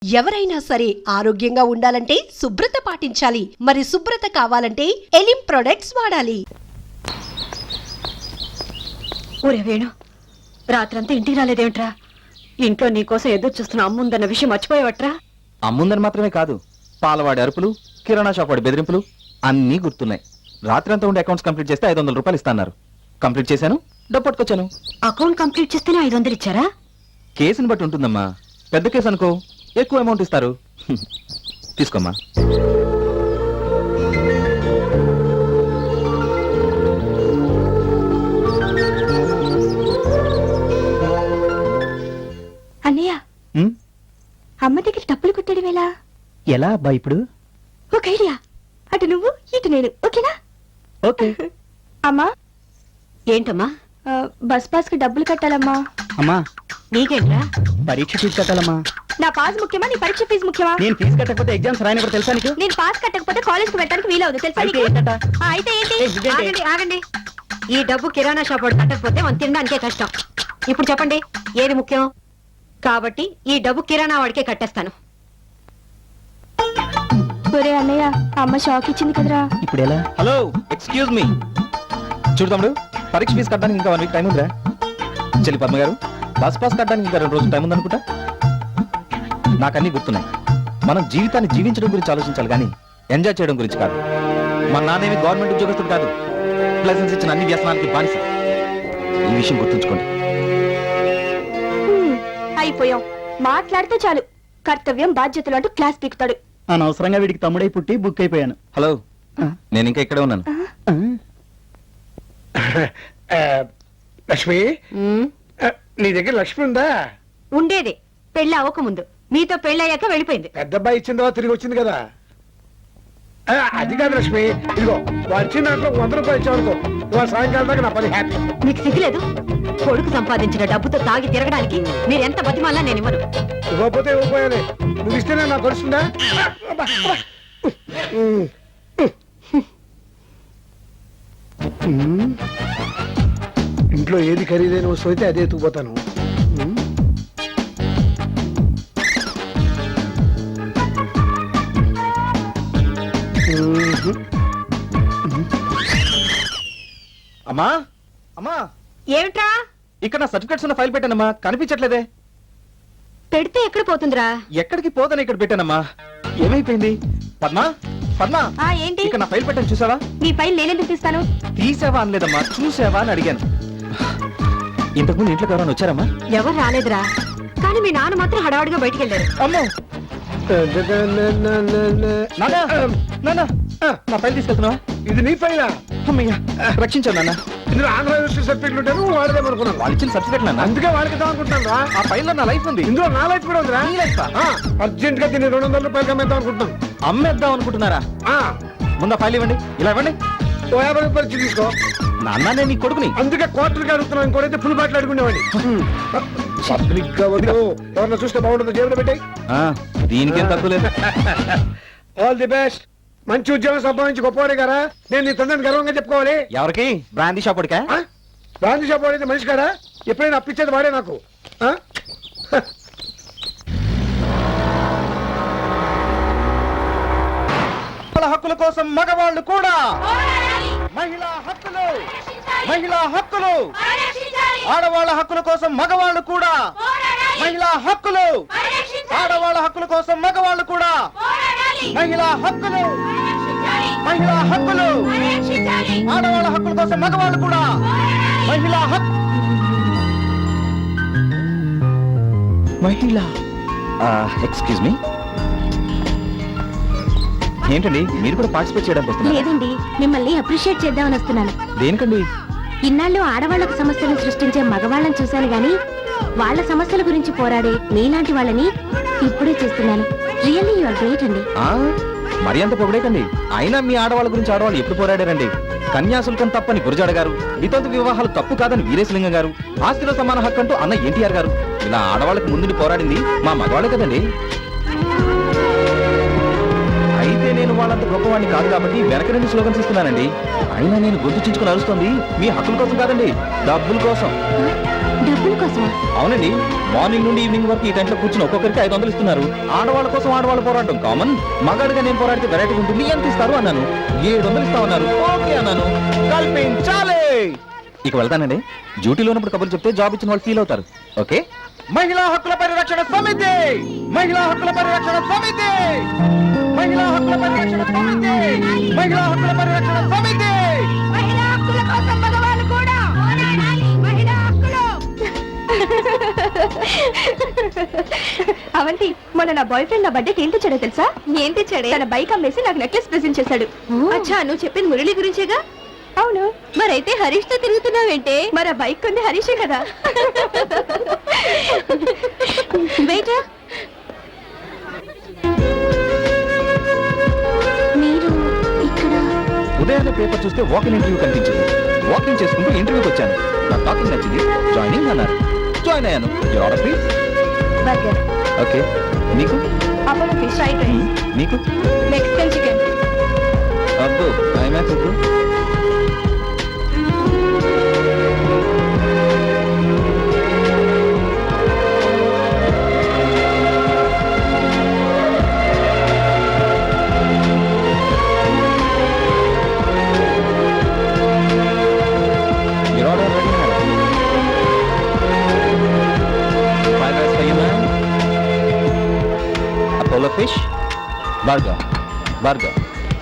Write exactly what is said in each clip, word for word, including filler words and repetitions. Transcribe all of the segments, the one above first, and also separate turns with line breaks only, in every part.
ఎవరైనా సరే ఆరోగ్యంగా ఉండాలంటే శుభ్రత పాటించాలి. మరి శుభ్రత కావాలంటే ఎలిం ప్రొడక్ట్స్ వాడాలి.
ఊరే వేణు, రాత్రంతా ఇంటికి రాలేదేమిట్రా? ఇంట్లో నీకోసం ఎదురు చూస్తున్న అమ్ముందన్న విషయం మర్చిపోయావట్రా?
అమ్ముందని మాత్రమే కాదు, పాలవాడి అరుపులు, కిరాణా షాప్ వాడి బెదిరింపులు అన్నీ గుర్తున్నాయి. రాత్రంతా ఉండే అకౌంట్స్ కంప్లీట్ చేస్తే ఐదు వందల రూపాయలు ఇస్తాన్నారు. కంప్లీట్ చేశాను, డబ్బు పట్టుకొచ్చాను.
అకౌంట్ కంప్లీట్ చేస్తేనే ఐదు వందలు ఇచ్చారా?
కేసుని బట్టి ఉంటుందమ్మా. పెద్ద కేసు అనుకో, ఎక్కువ అమౌంట్ ఇస్తారు. తీసుకోమ్మా.
అన్నయ్య, అమ్మ దగ్గర డబ్బులు కుట్టడం ఎలా?
ఎలా అబ్బా ఇప్పుడు?
ఒక ఐడియా. అటు నువ్వు, ఇటు నేను. ఓకేనా?
ఓకే.
అమ్మా. ఏంటమ్మా? బస్ పాస్ కి డబ్బులు కట్టాలమ్మా.
అమ్మా,
నీకేంట్రా?
పరీక్ష ఫీజు కట్టాలమ్మా.
నా పాస్ ముఖ్యమా, నీ పరీక్ష ఫీజు ముఖ్యమా?
నేను ఫీజు కట్టకపోతే ఎగ్జామ్స్ రాయని కూడా తెలుసా నీకు?
నేను పాస్ కట్టకపోతే కాలేజ్ కు వెళ్ళడానికి వీలవుతుంది తెలుసా
అయితే
నీకు?
ఏంటట?
ఆ, అయితే ఏంటి?
ఏ, ఇదేంటి?
ఆగండి ఆగండి. ఈ డబ్బు కిరాణా షాప్ వాడు కట్టకపోతే మనం తినడానికే కష్టం. ఇప్పుడు చెప్పండి, ఏది ముఖ్యం? కాబట్టి ఈ డబ్బు కిరాణా వాడికే కట్టేస్తాను. ఒరే అన్నయ్య, అమ్మ షాక్ ఇచ్చింది కదరా.
ఇప్పుడు ఎలా?
Hello, excuse me. చూడు తమ్ముడు, పరీక్ష ఫీజు కట్టడానికి ఇంకా వన్ వీక్ టైం ఉందిరా. చెల్లి పద్మ గారు, బస్ పాస్ కట్టడానికి ఇంకా రెండు రోజులు టైం ఉందనుకుంటా. నాకన్నీ గుర్తున్నాయి. మనం జీవితాన్ని జీవించడం గురించి ఆలోచించాలి కానీ ఎంజాయ్ చేయడం గురించి కాదు. మా నాన్నేమి గవర్నమెంట్ ఉద్యోగస్తుడు కాదు. లైసెన్స్ ఇచ్చిన అన్ని వ్యసనాలకి బానిస. ఈ విషయం గుర్తుంచుకోండి.
అయిపోయాం. మాట్లాడితే చాలు కర్తవ్యం బాధ్యతలు అంటూ క్లాస్ పీకుతాడు.
అనవసరంగా వీడికి తమ్ముడై పుట్టి బుక్ అయిపోయాను.
హలో, నేను ఇంకా ఇక్కడే ఉన్నాను.
లక్ష్మి, నీ దగ్గర లక్ష్మి ఉందా?
ఉండేది, పెళ్లి అవ్వకముందు. మీతో పెళ్లి అయ్యాక వెళ్ళిపోయింది.
పెద్ద అబ్బాయి ఇచ్చిన తర్వాత తిరిగి వచ్చింది కదా. ఆ, అది కాదు లక్ష్మి, ఇదిగో వాడు ఇచ్చిన దాంట్లో వంద రూపాయలు ఇచ్చావనుకో, ఇవాళ సాయంకాలం దాకా నా పని హ్యాపీ.
మీకు సిగ్గులేదు? కొడుకు సంపాదించిన డబ్బుతో తాగి తిరగడానికి మీరు ఎంత బతిమాలా నేను ఇవ్వను.
ఇవ్వకపోతే ఇవ్వకపోయాలి, నువ్వు ఇస్తేనే నాకు తెలుస్తుందా? ఇంట్లో ఏది ఖరీదైన వస్తువు అయితే అదే ఎత్తుకుపోతాను.
అమ్మా, అమ్మా,
ఏమిట్రా?
ఇక్కడ నా సర్టిఫికెట్స్ ఉన్న ఫైల్ పెట్టానమ్మా, కనిపించట్లేదే.
పెడితే ఎక్కడ పోతుందిరా?
ఎక్కడికి పోదని ఇక్కడ పెట్టానమ్మా. ఏమైపోయింది? పద్మా, పద్మా,
ఆ, ఏంటి?
ఇక్కడ నా ఫైల్ పెట్టాను, చూసావా?
నీ ఫైల్ నేనెందుకు తీస్తాను?
తీసావా అనలేదమ్మా, చూసావా అని అడిగాను. ఇంతకుముందు ఇంట్లోకి ఎవరైనా వచ్చారమ్మా?
ఎవరు రాలేదురా, కానీ మీ నాన్న మాత్రం హడావుడిగా బయటికి వెళ్ళారు.
అమ్మో, నాన్నా, నాన్నా, నా ఫైల్ తీసుకెళ్తున్నావా?
ఇది నీ ఫైలా?
అమ్మయ్యా, రక్షించాను నాన్న.
ఇందులో ఆంధ్ర యూనివర్సిటీ సర్టిఫికెట్లు ఉంటాను, వాడదేమనుకున్నాను.
వాళ్ళు ఇచ్చిన సర్టిఫికెట్ నాన్న.
అందుకే వాళ్ళకి ఇద్దాం అనుకుంటున్నాను రా.
ఆ ఫైల్ లో నా లైఫ్ ఉంది.
ఇందులో నా లైఫ్ కూడా ఉందిరా.
నీ లైఫ్ ఆ?
అర్జెంట్ గా దీన్ని రెండు వందల రూపాయలకి అమ్మేద్దాం అనుకుంటున్నాను.
అమ్మేద్దాం అనుకుంటున్నారా?
ఆ,
ముందు ఆ ఫైల్ ఇవ్వండి. ఇలా ఇవ్వండి.
ఓ యాభై రూపాయలు ఇచ్చి తీసుకో.
నాన్న, నేను నీ కొడుకుని.
అందుకే క్వార్టర్కి అడుగుతున్నాను, ఇంకోటైతే ఫుల్ బాటిల్ అడుగునేవాడి. పబ్లిక్ గా వద్దు, ఎవరన్నా చూస్తే బాగుంటుందో జేబులో పెట్టాయి.
ఆ, దీనికేం తక్కువ లేదు.
All the best. మంచి ఉద్యోగం సంపాదించి గొప్పవాడే కదా, నేను నీ తండ్రిని గర్వంగా చెప్పుకోవాలి.
ఎవరికి? బ్రాందీ షాప్ వాడికా?
గాంధీ షాప్ వాడైతే మనిషి కాడా? ఎప్పుడైనా అప్పించేది వాడే నాకు. ఆ?
హక్కుల కోసం మగవాళ్ళు కూడా. మహిళా హక్కులు, మహిళా హక్కులు, ఆడవాళ్ళ హక్కుల కోసం మగవాళ్ళు కూడా. మహిళా హక్కులు, ఆడవాళ్ళ హక్కుల కోసం మగవాళ్ళు కూడా. మహిళా హక్కులు, మహిళా హక్కులు, ఆడవాళ్ళ హక్కుల కోసం మగవాళ్ళు కూడా. మహిళా హక్కు, మహిళా. ఎక్స్క్యూజ్ మీ, ఏంటండి మీరు కూడా పార్టిసిపేట్ చేయడానికి వస్తున్నారు?
లేదండి, మిమ్మల్ని అప్రిషియేట్ చేద్దామని వస్తున్నాను.
దేనికండి?
ఇన్నాళ్ళు ఆడవాళ్లకు సమస్యలను సృష్టించే మగవాళ్ళని చూశాను గాని వాళ్ళ సమస్యల గురించి పోరాడే మీలాంటి వాళ్ళని ఇప్పుడే చూస్తున్నాను. రియల్లీ యు ఆర్ గ్రేట్ అండి.
ఆ, మరి అంత పొగడేకండి. అయినా మీ ఆడవాళ్ళ గురించి ఆడవాళ్ళు ఎప్పుడు పోరాడారండి? కన్యాశుల్కం తప్పని గురజాడ గారు, వితంతు వివాహాలు తప్పు కాదని వీరేశలింగం గారు, ఆస్తిలో సమాన హక్కు అంటూ అన్న ఎన్టీఆర్ గారు, ఇలా ఆడవాళ్ళకి ముందుని పోరాడింది మా మగవాళ్ళే కదండి. అయితే నేను వాళ్ళంత గొప్పవాడిని కాదు కాబట్టి వెనక నుండి స్లోగన్స్ ఇస్తున్నానండి. అయినా నేను గొంతు చించుకుని అరుస్తుంది మీ హక్కుల కోసం కాదండి, డబ్బుల కోసం.
డబ్బుల కోసమా?
అవునండి, మార్నింగ్ నుండి ఈవినింగ్ వరకు ఈ టైంలో కూర్చుని ఒక్కొక్కరికి ఐదు వందలు ఇస్తున్నారు. ఆడవాళ్ళ కోసం ఆడవాళ్ళు పోరాటం కామన్. మగాడిగా నేను పోరాడితే వెరైటీ ఉంటుంది, ఎంత ఇస్తారు అన్నాను. ఏడు వందలు ఇస్తామన్నారు. ఓకే అన్నాను. కల్పించాలి. ఇక వెళ్తానండి. డ్యూటీలో ఉన్నప్పుడు కబుర్లు చెప్తే జాబ్ ఇచ్చిన వాళ్ళు ఫీల్ అవుతారు. ఓకే. మహిళా హక్కుల పరిరక్షణ సమితి, మహిళా హక్కుల పరిరక్షణ సమితి, మహిళా హక్కుల పరిరక్షణ సమితి, మహిళా హక్కుల పరిరక్షణ సమితి.
మహిళా హక్కుల కోసం మగవాళ్ళు కూడా పోరాడాలి. మహిళా హక్కులు. అవంతి, మొన్న నా బాయ్ ఫ్రెండ్ నా బర్త్డేకి ఏం తెచ్చాడో తెలుసా? ఏం తెచ్చాడే? తన బైక్ అమ్మేసి నాకు నెక్లెస్ ప్రెజెంట్ చేశాడు. అచ్చా, నువ్వు చెప్పింది మురళి గురించేగా? అవును. మరైతే హరీష్ తో తిరుగుతున్నావేంటే? మరి ఆ బైక్ కొంది హరీషే కదా. వెయిట్, మీరు ఇక్కడ?
ఉదయాన్నే పేపర్ చూస్తే వాకింగ్ ఇంటర్వ్యూ కనిపించింది. వాకింగ్ చేసుకుంటూ ఇంటర్వ్యూకి వచ్చాను. నా టాకింగ్ నచ్చింది, జాయినింగ్ అన్నారు. జాయిన్ అయ్యాను. Your order please.
Burger.
Okay. మీకు?
Apollo fish fried rice.
మీకు?
Mexican chicken.
అబ్బో, ఐమాక్స్ ఇప్పుడు. Apollo fish, burger, burger.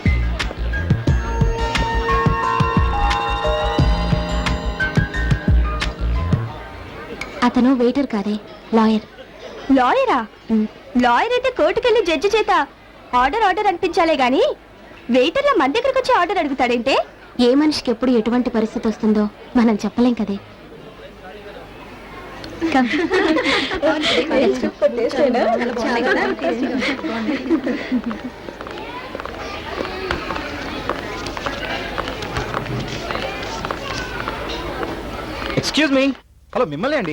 అతను వెయిటర్ కాదే, లాయర్. లాయరా? లాయర్ అయితే కోర్టుకెళ్ళి జడ్జి చేత ఆర్డర్ ఆర్డర్ అనిపించాలే గాని వెయిటర్ల మన దగ్గరకు వచ్చి ఆర్డర్ అడుగుతాడేంటే? ఏ మనిషికి ఎప్పుడు ఎటువంటి పరిస్థితి వస్తుందో మనం చెప్పలేం కదే.
Excuse me. హలో, మిమ్మల్ని అండి.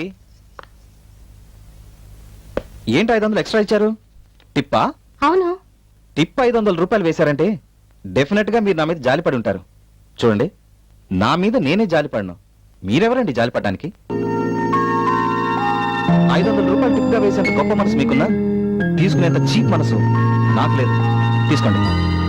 ఏంటి ఐదు వందలు ఎక్స్ట్రా ఇచ్చారు? టిప్పా?
అవును.
టిప్ ఐదు వందల రూపాయలు వేశారంటే డెఫినెట్ గా మీరు నా మీద జాలిపడి ఉంటారు. చూడండి, నా మీద నేనే జాలిపడను. మీరెవరండి జాలిపడడానికి? ఐదు వందల రూపాయలు టిప్ గా వేసేంత గొప్ప మనసు మీకున్నా, తీసుకునేంత చీప్ మనసు నాకు లేదు. తీసుకోండి.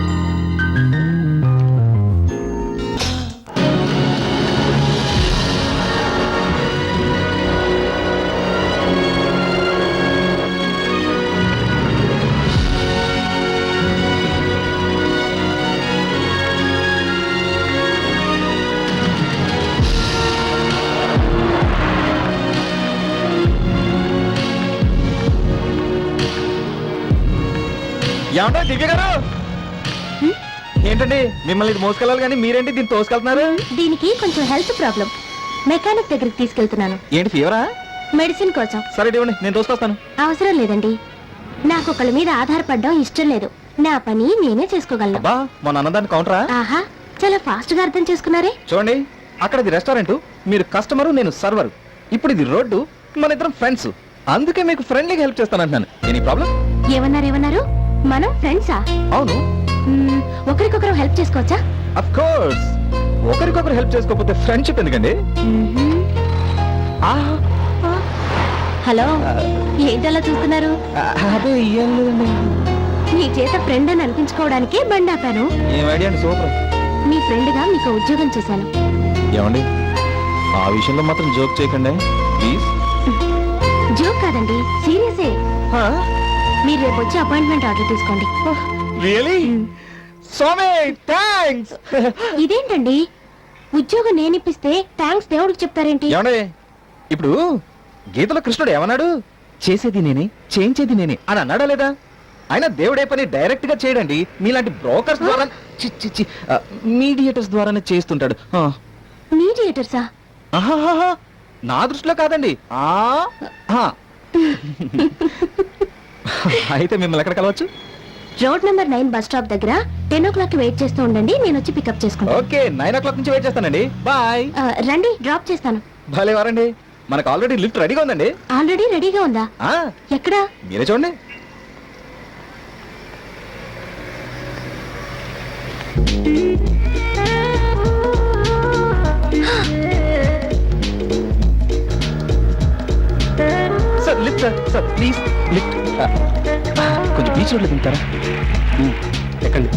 ఏమంటా దివ్య గారు? ఏంటండి, మిమ్మల్ని ఇది మోసుకెళ్ళాలి కానీ మీరేంటి దీన్ని తోసుకెళ్తున్నారు?
దీనికి కొంచెం హెల్త్ ప్రాబ్లం, మెకానిక్ దగ్గరికి తీసుకెళ్తున్నాను.
ఏంటి, ఫీవరా?
మెడిసిన్ కోసం.
సరే ఇవ్వండి, నేను తోసుకొస్తాను.
అవసరం లేదండి, నాకు ఒకళ్ళ మీద ఆధారపడడం ఇష్టం లేదు. నా పని నేనే చేసుకోగలను.
అబ్బా, మొన్న అన్నదాన్ని కౌంటరా?
ఆహా, చాలా ఫాస్ట్ గా అర్థం చేసుకున్నారే.
చూడండి, అక్కడ ఇది రెస్టారెంట్, మీరు కస్టమరు, నేను సర్వర్. ఇప్పుడు ఇది రోడ్డు, మన ఇద్దరం ఫ్రెండ్స్. అందుకే మీకు ఫ్రెండ్లీగా హెల్ప్ చేస్తానంటున్నాను. Any problem?
ఏమన్నారు ఏమన్నారు? మనం ఫ్రెండ్సా?
అవును.
మ్మ్, ఒకరికొకరు హెల్ప్ చేసుకోవచ్చా?
Of course. ఒకరికొకరు హెల్ప్ చేసుకోకపోతే ఫ్రెండ్షిప్ ఎందుకండి?
మ్మ్హ్మ్.
ఆహా,
హలో, ఏంటలా చూస్తున్నారు?
అదే ఏం లేదండి.
మీ చేత ఫ్రెండ్ అని అనిపించుకోవడానికి బండి ఆపాను.
ఏం ఐడియా అండి, సూపర్.
మీ ఫ్రెండ్ గా మీకు ఉద్యోగం చేశాను.
ఏమండి, ఆ విషయంలో మాత్రం జోక్ చేయకండి ప్లీజ్.
జోక్ కాదండి, సీరియసే. మీరు రేపు వచ్చి అపాయింట్మెంట్ ఆర్డర్ తీసుకోండి.
రియలీ? స్వామి థాంక్స్.
ఇదేంటండి, ఉద్యోగం నేనిప్పిస్తే థ్యాంక్స్ దేవుడికి చెప్తారేంటి?
ఏమండి, ఇప్పుడు గీతలో కృష్ణుడు ఏమన్నాడు? చేసేది నేనే, చేయించేది నేనే అని అన్నాడా లేదా? ఆయన దేవుడే పని డైరెక్ట్ గా చేయడండి, మీలాంటి బ్రోకర్స్ ద్వారా, మీడియేటర్స్ ద్వారానే చేస్తుంటాడు. ఆ.
మీడియేటర్సా?
ఆహాహాహా, నా దృష్టిలో కాదండి. ఆ ఆ. అయితే మిమ్మల్ని ఎక్కడ కలవచ్చు?
Road number nine bus stop దగ్గర టెన్ ఓ క్లాక్ వెయిట్ చేస్తూ ఉండండి, నేను వచ్చి పికప్ చేసుకుంటాను.
ఓకే, నైన్ ఓ క్లాక్ నుంచి వెయిట్ చేస్తానండి. బాయ్.
ఆ, రండి, డ్రాప్ చేస్తాను.
భలే వారండి, మనకు ఆల్రెడీ లిఫ్ట్ రెడీగా ఉందండి.
ఆల్రెడీ రెడీగా ఉందా?
ఆ,
ఎక్కడా?
మీరే చూడండి. సార్ ప్లీజ్ లిఫ్ట్ కొంచెం బీచ్ రోడ్లో దిగుతారా ఎక్కండి.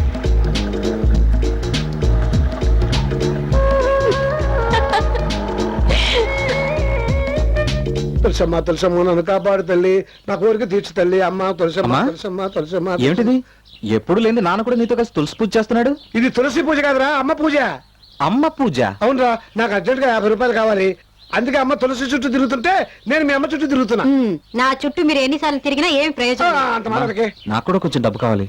తులసమ్మ తులసమ్మ నన్ను కాపాడు తల్లి నా కోరిక తీర్చు తల్లి అమ్మ తులసమ్మ
అమ్మా?
తులసమ్మ తులసమ్మ
ఏమిటిది ఎప్పుడు లేని నాన్న కూడా నీతో కలిసి తులసి పూజ చేస్తున్నాడు.
ఇది తులసి పూజ కాదురా అమ్మ పూజ.
అమ్మ పూజ?
అవునరా, నాకు అర్జెంట్ గా యాభై రూపాయలు కావాలి. అందుకే అమ్మ తులసి చుట్టూ తిరుగుతుంటే నేను మీ అమ్మ చుట్టూ తిరుగుతున్నా.
నా చుట్టూ మీరు ఎన్నిసార్లు తిరిగినా ఏం
ఆ,
ప్రయోజనం
అంత మాటకే.
నాకు కూడా కొంచెం డబ్బు కావాలి.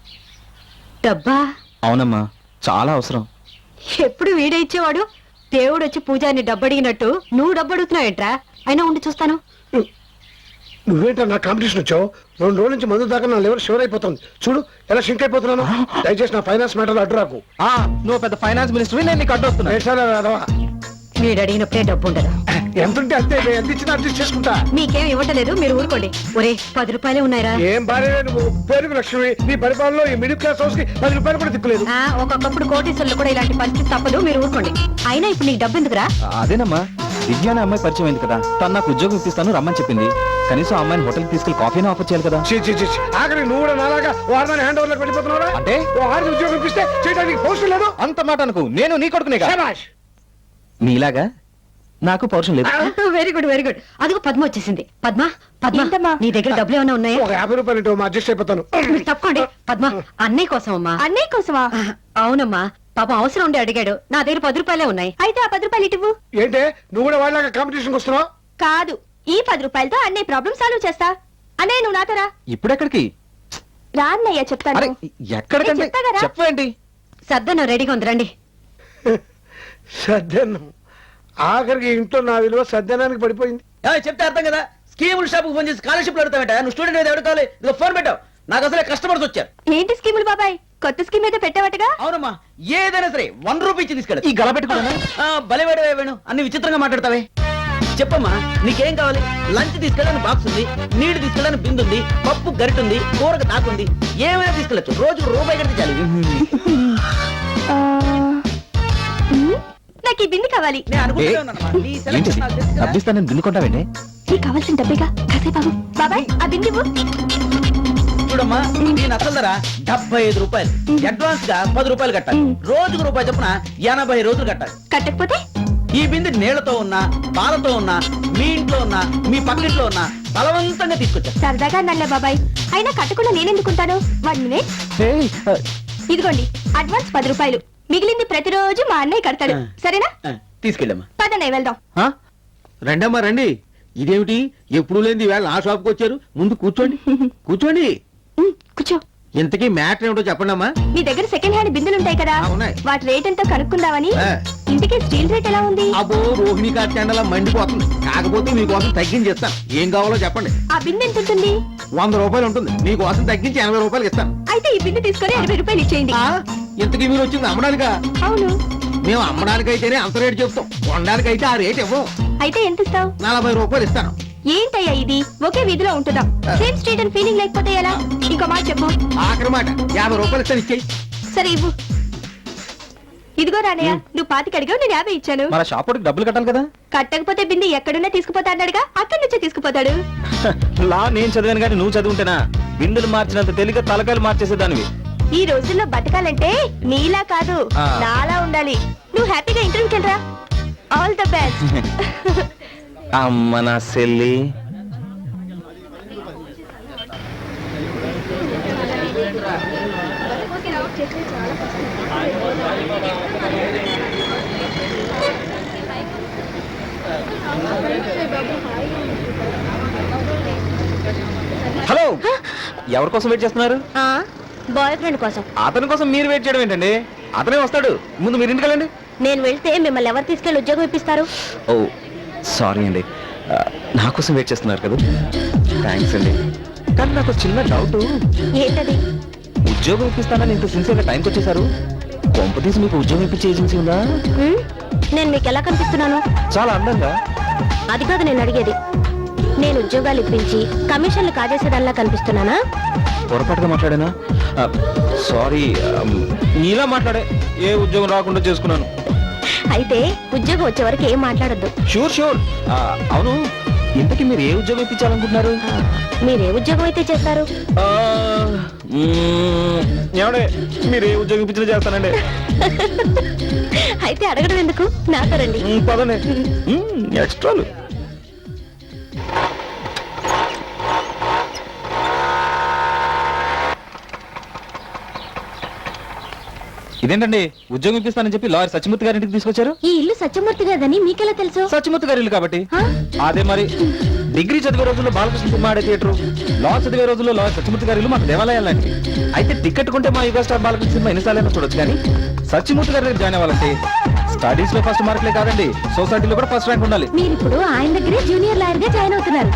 డబ్బా
అవునమ్మా, చాలా అవసరం.
ఎప్పుడు వీడే ఇచ్చేవాడు. దేవుడు వచ్చి పూజారిని డబ్బు అడిగినట్టు నువ్వు డబ్బు అడుగుతున్నావు ఏంట్రా? అయినా ఉండి చూస్తాను.
నువ్వేంటో నా కాంపిటీషన్ వచ్చావు. రెండు రోజుల నుంచి మందు దాకా నా లివర్ షివర్ అయిపోతుంది. చూడు ఎలా షింక్ అయిపోతున్నాను. దయచేసి నా ఫైనాన్స్ మ్యాటర్ అడ్డు రాకు.
ఆ, నువ్వు పెద్ద ఫైనాన్స్ మినిస్టర్, నేను నీకు అడ్డొస్తున్నా.
ఏడ్చాలా రాదవా?
వీడు అడిగినప్పుడే డబ్బు ఉండదు.
ఎంత ఉంటే అంతే, ఎంత ఇచ్చినా అడ్జస్ట్ చేసుకుంటా.
మీకేం ఇవ్వటలేదు, మీరు ఊరుకోండి. ఒరే పది రూపాయలే ఉన్నాయిరా.
ఏం భార్య నువ్వు, పేరుకు లక్ష్మి. నీ పరిపాలనలో ఈ మిడిల్ క్లాస్ హౌస్ కి పది రూపాయలు కూడా దిక్కులేదు.
ఆ, ఒక్కొక్కప్పుడు కోటీశ్వరులు కూడా ఇలాంటి పరిస్థితి తప్పదు, మీరు ఊరుకోండి. అయినా ఇప్పుడు నీకు డబ్బు ఎందుకురా?
అదేనమ్మా, విద్య అనే అమ్మాయి పరిచయం అయింది కదా, తను నాకు ఉద్యోగం ఇప్పిస్తాను రమ్మని చెప్పింది. కనీసం ఆ అమ్మాయిని హోటల్కి తీసుకెళ్లి కాఫీని ఆఫర్ చేయాలి కదా.
చీ, చీ, చీ, చీ. ఆఖరి నువ్వు కూడా నాలాగా వారిని హ్యాండ్ ఓవర్ వెళ్ళిపోతున్నారా?
అంటే?
ఓ ఆరు ఉద్యోగం ఇప్పిస్తే చేయడానికి పౌరుషం లేదు.
అంత మాట అనుకు, నేను నీ కొడుకునే కదా.
శభాష్.
నీలాగా నాకు పౌరుషం లేదు.
Very good very good. అదిగో పద్మ వచ్చేసింది. పద్మ పద్మ నీ దగ్గర డబ్బులు ఏమైనా ఉన్నాయా?
ఒక యాభై రూపాయలు ఇటు అడ్జస్ట్ అయిపోతాను.
మీరు తప్పుకోండి. పద్మ అన్నయ్య కోసం అమ్మా. అన్నయ్య కోసమా? అవునమ్మా, పాపం అవసరం ఉండి అడిగాడు. నా దగ్గర పది రూపాయలే ఉన్నాయి. అయితే ఆ పది రూపాయలు ఇటువు.
ఏంటే నువ్వు కూడా వాళ్ళగా కాంపిటీషన్ వస్తున్నావు?
కాదు, ఈ పది రూపాయలతో అన్నయ్య ప్రాబ్లం సాల్వ్ చేస్తా. అన్నయ్య నువ్వు నాతో రా.
ఇప్పుడెక్కడికి?
రా అన్నయ్య చెప్తాను.
అరే ఎక్కడికంటే
నేను చెప్తా కదా.
చెప్పండి.
సర్దను రెడీగా ఉంది రండి.
సద్యన్నం. ఆఖరికి ఇంట్లో నా విలువ సద్యనానికి పడిపోయింది.
చెప్తే అర్థం కదా. స్కీముల షాప్ ఫోన్ చేసి స్కాలర్షిప్ అడుగుతావేట. నువ్వు స్టూడెంట్ అయితే ఎవరు కావాలి? ఇదిగో ఫోన్ పెట్టావు. నాకు అసలే కస్టమర్స్ వచ్చారు.
ఏంటి స్కీములు బాబాయ్? కొత్త స్కీమ్ ఏదో పెట్టావటగా?
అవునమ్మా, ఏదైనా సరే వన్ రూపీ ఇచ్చి తీసుకెళ్ళి.
ఈ గల పెట్టుకున్నా
బలివేడు వేణు అన్ని విచిత్రంగా మాట్లాడతావే. చెప్పమ్మా నీకేం కావాలి? లంచ్ తీసుకెళ్ళడానికి బాక్స్ ఉంది, నీళ్లు తీసుకెళ్ళడానికి బిందు ఉంది, పప్పు గరిట ఉంది, కూరకు దాకుంది. ఏమైనా తీసుకెళ్ళచ్చు. రోజుకు రూపాయి కడితే చాలు.
నాకు ఈ బింది కావాలి.
నేను అనుకుంటూనే ఉన్నానమ్మా. నీ
ఏంటి
సెలక్షన్ నాకు తెలుసు కదా.
డబ్బిస్తానని దిన్నుకుంటావేంటి?
నీకు కావాల్సిన డబ్బేగా కాసే బాబు. బాబాయ్ ఆ బింది ఇవ్వు.
చూడమ్మా, నేను అసలు ధర డెబ్బై ఐదు రూపాయలు. అడ్వాన్స్ గా పది రూపాయలు కట్టాలి. రోజుకు రూపాయి చొప్పున ఎనభై రోజులు కట్టాలి.
కట్టకపోతే
ఈ బిందె నీళ్లతో ఉన్నా, పాలతో ఉన్నా, మీ ఇంట్లో ఉన్నా, మీ పక్కింట్లో ఉన్నా బలవంతంగా తీసుకొచ్చారు.
సరదాగా అన్నలే బాబాయ్. అయినా కట్టకుండా నేనెందుకుంటాను? One minute.
ఏయ్, ఆ,
ఇదిగోండి అడ్వాన్స్ పది రూపాయలు. మిగిలింది ప్రతిరోజు మా అన్నయ్య కడతాడు. సరేనా?
ఆ, తీసుకెళ్ళమ్మా.
పదన్నయ్య వెళ్దాం.
రండమ్మా రండి. ఇదేమిటి ఎప్పుడు లేని వేళ ఆ షాప్కి వచ్చారు? ముందు కూర్చోండి కూర్చోండి.
ఉమ్, కూర్చో.
ఇంతకీ మ్యాటర్ ఏమిటో చెప్పండి అమ్మా.
నీ దగ్గర సెకండ్ హ్యాండ్ బిందెలు ఉంటాయి కదా,
ఆ, ఉన్నాయి.
వాటి రేట్ ఎంతో కనుక్కుందామని.
ఆ.
ఇంటికి స్టీల్ రేట్ ఎలా ఉంది?
అబ్బో రోహిణి కార్తెండలా మండిపోతుంది. కాకపోతే మీకోసం తగ్గించి ఇస్తాను. ఏం కావాలో చెప్పండి.
ఆ బిందె ఎంత ఉంటుంది?
వంద రూపాయలు ఉంటుంది. మీకోసం తగ్గించి ఎనభై రూపాయలు ఇస్తాను.
అయితే ఈ బిందె తీసుకొని ఎనభై రూపాయలు ఇచ్చేయండి.
ఆ, ఇంతకీ మీరు వచ్చింది అమ్మడానికా?
అవును.
మేము అమ్మడానికైతేనే అంత రేటు చెప్తాం. కొనడానికైతే ఆ రేట్ ఇవ్వం.
అయితే ఎంత ఇస్తావు?
నలభై రూపాయలు ఇస్తాను.
ఏంటయ్యా ఇది? ఒకే వీధిలో ఉంటున్నాం. సేమ్ స్ట్రీట్ అని ఫీలింగ్ లేకపోతే ఎలా? ఇంకో మాట చెప్పు.
ఆఖరి మాట యాభై రూపాయలు ఇస్తాను. ఇచ్చేయి.
సరే ఇవ్వు. ఇదిగో రానయ్య, నువ్వు పాతికి అడిగావు, నేను యాభై ఇచ్చాను.
మన షాప్ వాడికి డబ్బులు కట్టాలి కదా.
కట్టకపోతే బిందె ఎక్కడున్నా తీసుకుపోతా అన్నాడుగా, అక్కడి నుంచే తీసుకుపోతాడు.
లా నేను చదివాను కానీ నువ్వు చదువుంటేనా బిందులు మార్చినంత తెలియక తలకాయలు మార్చేసేదానివి.
ఈ రోజుల్లో బతకాలంటే నీలా కాదు,
ఆ.
నాలా ఉండాలి. నువ్వు హ్యాపీగా ఇంటర్వ్యూకి వెళ్ళరా. All the best.
అమ్మ నా సెల్లి. హలో, ఎవరి కోసం వెయిట్ చేస్తున్నారు?
బాయ్ ఫ్రెండ్ కోసం.
అతని కోసం మీరు వెయిట్ చేయడం ఏంటండి? అతనే వస్తాడు. ముందు మీరు ఇంటికి వెళ్ళండి.
నేను వెళ్తే మిమ్మల్ని ఎవరు తీసుకెళ్లి ఉద్యోగం ఇప్పిస్తారు?
ఓ సారీ అండి, ఆ, నా కోసం వెయిట్ చేస్తున్నారు కదా. థ్యాంక్స్ అండి. కానీ నాకు ఒక చిన్న డౌట్.
ఏంటది?
ఉద్యోగం ఇప్పిస్తానని ఇంత సిన్సియర్గా టైంకి వచ్చేసారు. కొంప తీసి మీకు ఉద్యోగం ఇప్పించే ఏజెన్సీ ఉందా?
హ్మ్? నేను మీకు ఎలా కనిపిస్తున్నాను?
చాలా అందంగా.
అది కాదు నేను అడిగేది. నేను ఉద్యోగాలు ఇప్పించి కమిషన్లు కాజేసేదానిలా కనిపిస్తున్నానా?
పొరపాటుగా మాట్లాడానా? సారీ, నీలా మాట్లాడే ఏ ఉద్యోగం రాకుండా చేసుకున్నాను.
అయితే ఉద్యోగం వచ్చే వరకు ఏం మాట్లాడద్దు.
Sure sure. అవును, ఇంతకీ మీరు ఏ ఉద్యోగం ఇప్పించాలనుకుంటున్నారు?
మీరే ఉద్యోగం అయితే చేస్తారు?
ఏమండే మీరు ఏ ఉద్యోగం ఇప్పించినా చేస్తానండి.
అయితే అడగడం ఎందుకు, నాతో రండి.
మ్మ్, పదండి. మ్మ్, ఎక్స్ట్రాలు. ఇదేంటండి ఉద్యోగం ఇప్పిస్తానని చెప్పి లాయర్ సత్యమూర్తి గారి ఇంటికి తీసుకొచ్చారు?
ఈ ఇల్లు సత్యమూర్తి గారిదని మీకెలా తెలుసు?
సత్యమూర్తి గారి ఇల్లు కాబట్టి.
ఆ?
అదే మరి డిగ్రీ చదివే రోజుల్లో బాలకృష్ణ సినిమా ఆడే థియేటర్, లా చదివే రోజుల్లో లాయర్ సత్యమూర్తి గారి ఇల్లు మాకు దేవాలయాలు లాంటివి. అయితే టికెట్ కొంటే మా యుగ స్టార్ బాలకృష్ణ సినిమా ఎన్నిసార్లైనా చూడొచ్చు, కానీ సత్యమూర్తి గారి దగ్గర జాయిన్ అవ్వాలంటే స్టడీస్ లో ఫస్ట్ మార్కులే కాదండి, సొసైటీలో కూడా ఫస్ట్ ర్యాంక్ ఉండాలి.
మీరు ఇప్పుడు ఆయన దగ్గరే జూనియర్ లాయర్ గా జాయిన్ అవుతున్నారు.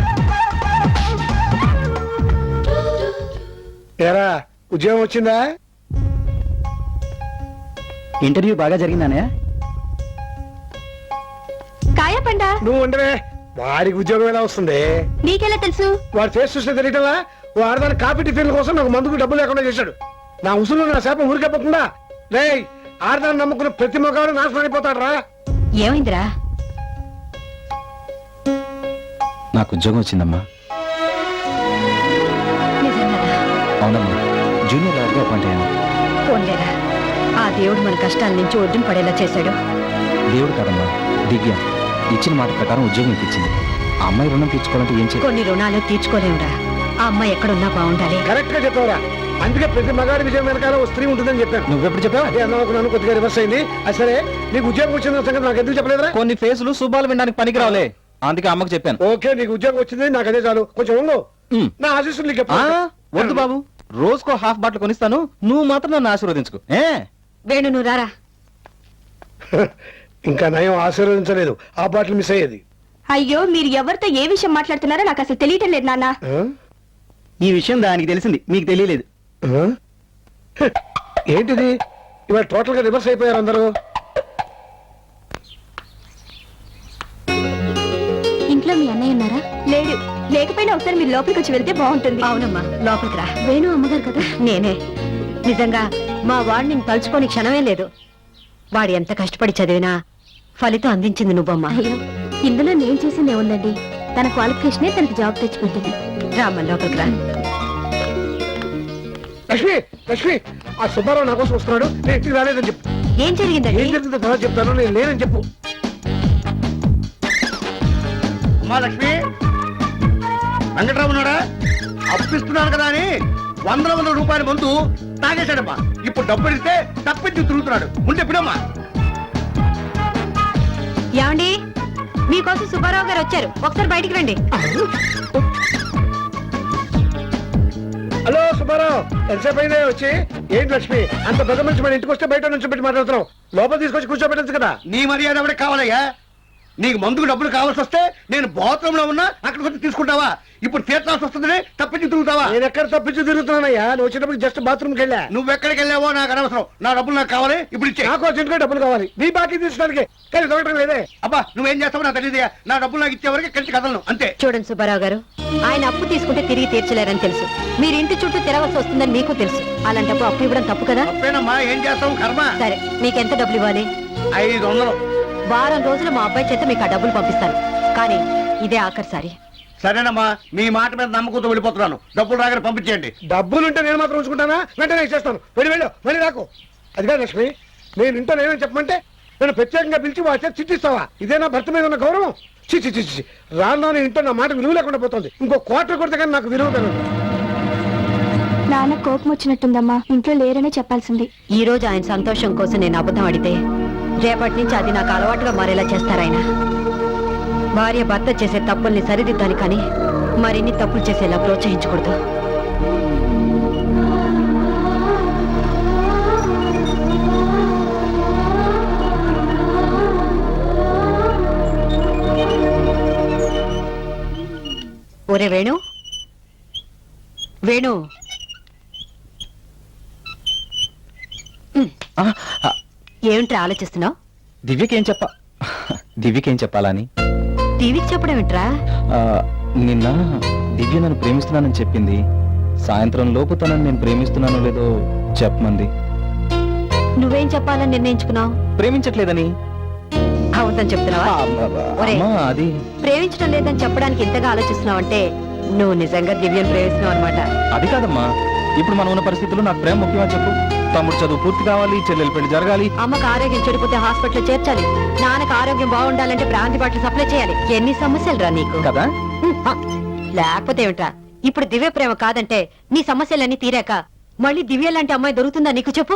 ఏరా ఉద్యోగం వచ్చిందా?
ఇంటర్వ్యూ బాగా జరిగిందానే?
కాయా పండా,
నువ్వు ఉండవే, వాడికి ఉద్యోగం ఎలా వస్తుంది?
నీకెలా తెలుసు?
వాడు ఫేస్ చూస్తే తెలియటలా వాడదాని కాపీ టిఫిన్ కోసం నాకు మందుకు డబ్బులు లేకుండా చేశాడు. నా ఉసులు నా శాపం ఊరికెప్పకుండా రే ఆడదాన్ని నమ్ముకున్న ప్రతి మొగాడు నాశనం అయిపోతాడు రా.
ఏమైందిరా?
నాకు ఉద్యోగం వచ్చిందమ్మా.
నిజంగానా?
అవునమ్మా, జూనియర్ లాయర్గా అపాయింట్ అయ్యాను.
పోన్లేరా, ఆ దేవుడు మన కష్టాల నుంచి ఒడ్డున పడేలా చేశాడు.
దేవుడు కాదమ్మా, దివ్య ఇచ్చిన మాట ప్రకారం ఉద్యోగం ఇప్పించింది. ఆ అమ్మాయి రుణం తీర్చుకోవాలంటే ఏం చేయాలి?
కొన్ని రుణాలు తీర్చుకోలేమురా. ఆ అమ్మాయి ఎక్కడున్నా బాగుండాలి.
కరెక్ట్ గా చెప్పావురా. అందుకే ప్రతి మగాడి విజయం వెనకాల ఓ స్త్రీ ఉంటుందని చెప్పాను.
నువ్వెప్పుడు చెప్పావు?
అదే అన్నాను, కొద్దిగా రివర్స్ అయింది. అది సరే, నీకు ఉద్యోగం వచ్చిన సంగతి నాకు ఎందుకు చెప్పలేదురా?
కొన్ని ఫేసులు శుభాలు వినడానికి పనికి రావులే, అందుకే అమ్మకు చెప్పాను.
ఓకే, నీకు ఉద్యోగం వచ్చింది, నాకు అదే చాలు. కొంచెం ఉండు,
ఉమ్.
నా ఆశీస్సులు నీకు
ఆ,
ఎప్పుడు-
వద్దు బాబు, రోజుకో హాఫ్ బాటిల్ కొనిస్తాను, నువ్వు మాత్రం నన్ను ఆశీర్వదించుకో. ఏ
వేణు నువ్వు రారా.
ఇంకా నయం ఆశీర్వదించలేదు, ఆ బాటిల్ మిస్ అయ్యేది.
అయ్యో, మీరు ఎవరితో ఏ విషయం మాట్లాడుతున్నారో నాకు అసలు తెలియటం లేదు నాన్న.
ఆ?
ఈ విషయం దానికి తెలిసింది, మీకు తెలియలేదు.
ఆ? హ, ఏంటిది ఇవాళ టోటల్ గా రివర్స్ అయిపోయారు అందరూ.
ఇంట్లో మీ అన్నయ్య ఉన్నారా? లేడు. లేకపోయినా ఒకసారి మీరు లోపలికి వచ్చి వెళ్తే బాగుంటుంది. అవునమ్మా, లోపలికి రా. వేణు అమ్మగారు కదా? నేనే. నిజంగా మా వాడు నేను తలుచుకోని క్షణమే లేదు. వాడు ఎంత కష్టపడి చదివినా ఫలితం అందించింది నువ్వమ్మా. అయ్యో, ఇందులో నేను చేసిందే ఉందండి. తన క్వాలిఫికేషనే తనకి జాబ్ తెచ్చిపెట్టింది. రామ్మ లోపలికి రా.
లక్ష్మి లక్ష్మి ఆ సుబ్బారావు నా కోసం వస్తున్నాడు, నేను ఇంటికి రాలేదని చెప్పు.
ఏం జరిగిందండి?
ఏం జరిగిందో తర్వాత చెప్తాను, నేను లేనని చెప్పు.
అమ్మా లక్ష్మి, వెంకట్రావు ఉన్నాడా? అప్పిస్తున్నాను కదా అని వందల వందల రూపాయల ముందు తాగేశాడమ్మా. ఇప్పుడు డబ్బు ఇస్తే తప్పించి తిరుగుతున్నాడు. ఉంటే పిడమ్మా.
ఏమండి, మీకోసం సుబ్బారావు గారు వచ్చారు, ఒకసారి బయటికి రండి.
హలో సుబ్బారావు, ఎంతసేపు అయినా వచ్చి? ఏంటి లక్ష్మి, అంత పెద్ద మనిషి మన ఇంటికి వస్తే బయట నుంచి పెట్టి మాట్లాడుతున్నావు, లోపల తీసుకొచ్చి కూర్చోబెట్టచ్చు కదా.
నీ మర్యాద ఎవరికి కావాలయ్యా? నీకు మందుకు డబ్బులు కావాల్సి వస్తే నేను బాత్రూమ్ లో ఉన్నా అక్కడికి వచ్చి తీసుకుంటావా? ఇప్పుడు తీర్చాల్సి వస్తుందని తప్పించి తిరుగుతావా?
నేను ఎక్కడ తప్పించి తిరుగుతున్నానయ్యా, నువ్వు వచ్చేటప్పుడు జస్ట్ బాత్రూమ్కి వెళ్ళా.
నువ్వెక్కడికి వెళ్ళావో నాకు అనవసరం. నా డబ్బులు నాకు కావాలి, ఇప్పుడు ఇచ్చే.
నాకు అర్జెంట్గా డబ్బులు కావాలి, నీ బాకీ తీసుకోవడానికి. కానీ దొరకడం లేదే.
అబ్బా, నువ్వేం చేస్తావో నాకు తెలియదు. నా డబ్బులు నాకు ఇచ్చే వరకు కలిసి కదలను, అంతే.
చూడండి సుబ్బారావు గారు, ఆయన అప్పు తీసుకుంటే తిరిగి తీర్చలేరని తెలుసు. మీరు ఇంటి చుట్టూ తిరగవలసి వస్తుందని మీకు తెలుసు. అలాంటప్పుడు అప్పు ఇవ్వడం తప్పు కదా.
తప్పేనమ్మా, ఏం చేస్తావు, కర్మ.
సరే, మీకెంత డబ్బులు ఇవ్వాలి?
ఐదు వందలు.
వారం రోజులు మా అబ్బాయి చేత మీకు ఆ డబ్బులు పంపిస్తాను, కానీ ఇదే ఆఖరిసారి.
సరేనమ్మా, మీ మాట మీద నమ్మకంతో వెళ్ళిపోతున్నాను. డబ్బులు రాగానే పంపించేయండి.
డబ్బులుంటే నేను మాత్రం ఉంచుకుంటానా? వెంటనే ఇచ్చేస్తాను. వెళ్ళి వెళ్ళు, మళ్ళీ రాకు. అదిగా లక్ష్మి, నేను ఇంట్లో నేనేం చెప్పమంటే నేను ప్రత్యేకంగా పిలిచి వాడి చేత చిట్టిస్తావా? ఇదే నా భర్త మీద ఉన్న గౌరవం? చిచ్చి చిచ్చి రాను ఇంట్లో నా మాట విలువ లేకుండా పోతుంది. ఇంకో క్వార్టర్ కొడితే కానీ నాకు విలువ పెరగదు.
నాన్న కోపం వచ్చినట్టుందమ్మా, ఇంట్లో లేరనే చెప్పాల్సింది. ఈ రోజు ఆయన సంతోషం కోసం నేను అబద్ధం అడితే రేపటి నుంచి అది నాకు అలవాటుగా మారేలా చేస్తారాయన. భార్య భర్త చేసే తప్పుల్ని సరిదిద్దాలి, కానీ మరిన్ని తప్పులు చేసేలా ప్రోత్సహించకూడదు. ఒరే వేణు, వేణు,
ఆ, ఆ,
ఏమిట్రా ఆలోచిస్తున్నావు?
దివ్యకేం చెప్ప దివ్యకేం చెప్పాలని?
టీవీకి చెప్పడం ఏంట్రా?
ఆ, నిన్న దివ్య నన్ను ప్రేమిస్తున్నానని చెప్పింది. సాయంత్రం లోపు తనని నేను ప్రేమిస్తున్నానో లేదో చెప్పమంది.
నువ్వేం చెప్పాలని నిర్ణయించుకున్నావు?
ప్రేమించట్లేదని.
అవును బాగుందని చెప్తున్నావా ఒరే.
అమ్మా అది
ప్రేమించడం లేదని చెప్పడానికి ఇంతగా ఆలోచిస్తున్నావంటే నువ్వు నిజంగా దివ్యం ప్రేమిస్తున్నావు అనమాట.
అది కాదమ్మా, ఇప్పుడు మనం ఉన్న పరిస్థితుల్లో నాకు ప్రేమ ముఖ్యమని చెప్పు. తమ్ముడు చదువు పూర్తి కావాలి, చెల్లెలు పెళ్లి జరగాలి.
అమ్మకు ఆరోగ్యం చెడిపోతే హాస్పిటల్ చేర్చాలి, నాన్నకు ఆరోగ్యం బాగుండాలంటే బ్రాంతి బాటిల్ సప్లై చేయాలి. ఎన్ని సమస్యలు రా నీకు.
కదా
హ్మ్, హ. లేకపోతే ఏమిట్రా, ఇప్పుడు దివ్య ప్రేమ కాదంటే నీ సమస్యలన్నీ తీరాక మళ్ళీ దివ్య లాంటి అమ్మాయి దొరుకుతుందా నీకు చెప్పు.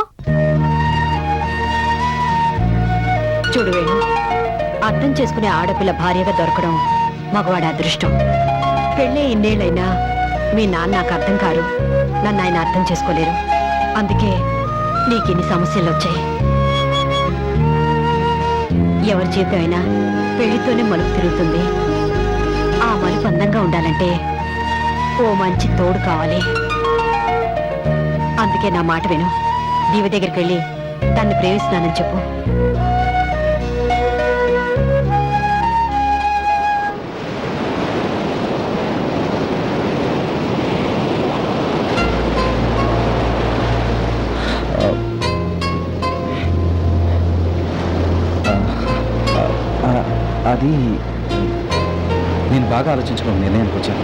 చూడు వేణు, అర్థం చేసుకునే ఆడపిల్ల భార్యగా దొరకడం మగవాడి అదృష్టం. పెళ్ళే ఇన్నేళ్ళైనా మీ నాన్న నాకు అర్థం కారు, నన్ను ఆయన అర్థం చేసుకోలేరు. అందుకే నీకిన్ని సమస్యలు వచ్చాయి. ఎవరి జీవితం అయినా పెళ్లితోనే మలుపు తిరుగుతుంది. ఆ మలుపు అందంగా ఉండాలంటే ఓ మంచి తోడు కావాలి. అందుకే నా మాట విను, దీవి దగ్గరికి వెళ్ళి తన్ని ప్రేమిస్తున్నానని చెప్పు.
ఆ, అది నేను బాగా ఆలోచించుకుని నిర్ణయానికి వచ్చాను.